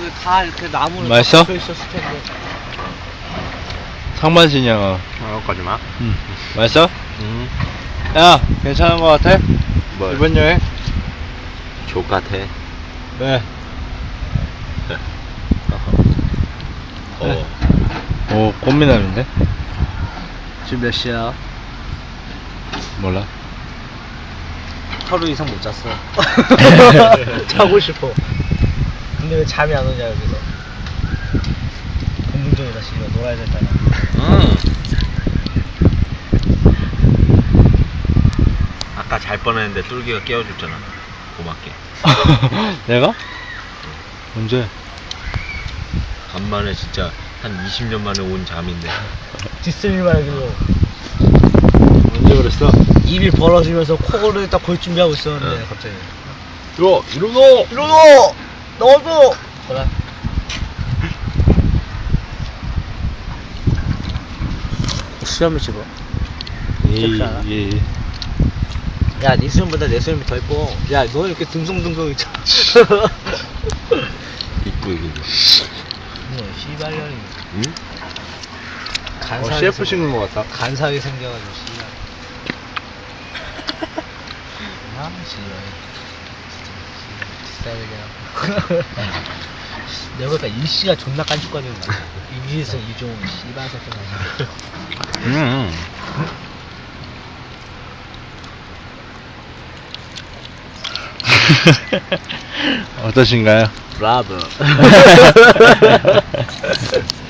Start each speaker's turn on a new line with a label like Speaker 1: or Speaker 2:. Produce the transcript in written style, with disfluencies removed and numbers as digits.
Speaker 1: 다 이렇게 나무로
Speaker 2: 맛있어?
Speaker 1: 박혀 있었을 텐데.
Speaker 2: 상반신이야.
Speaker 3: 여기까지 마.
Speaker 2: 응. 맛있어? 야, 괜찮은 거 같아?
Speaker 3: 뭘?
Speaker 2: 이번 여행?
Speaker 3: 족 같아.
Speaker 2: 네. 오, 꽃미남인데?
Speaker 1: 지금 몇 시야?
Speaker 2: 몰라.
Speaker 1: 하루 이상 못 잤어. 자고 싶어. 근데 왜 잠이 안 오냐 여기서. 공중전이다 씨발 놀아야 된다냐.
Speaker 3: 아까 잘 뻔했는데 뚫기가 깨워줬잖아. 고맙게.
Speaker 2: 내가? 언제?
Speaker 3: 간만에 진짜 한 20년 만에 온 잠인데.
Speaker 1: 뒷스미 말고
Speaker 2: 언제 그랬어?
Speaker 1: 입이 벌어지면서 코를 딱 골 준비하고 있었는데 갑자기.
Speaker 2: 야, 일어나!
Speaker 1: 일어나! 너도! 그래. 수염을 씹어.
Speaker 2: 예.
Speaker 1: 야, 네 수염보다 내 수염이 더 이뻐. 야, 너는 이렇게 둥성둥성 있잖아.
Speaker 3: 이쁘게 그려.
Speaker 1: 뭐, 씨발년이.
Speaker 3: 응?
Speaker 1: 간사하게
Speaker 2: CF 신은 거 같다.
Speaker 1: 간사하게 생겨가지고, 씨발. 아, 씨발. 비싸게 그냥. 내가 보니까 일시가 존나 깐죽거리는 거야. 이지에서 이종, 씨발 새끼.
Speaker 2: 어떠신가요?
Speaker 1: 브라보.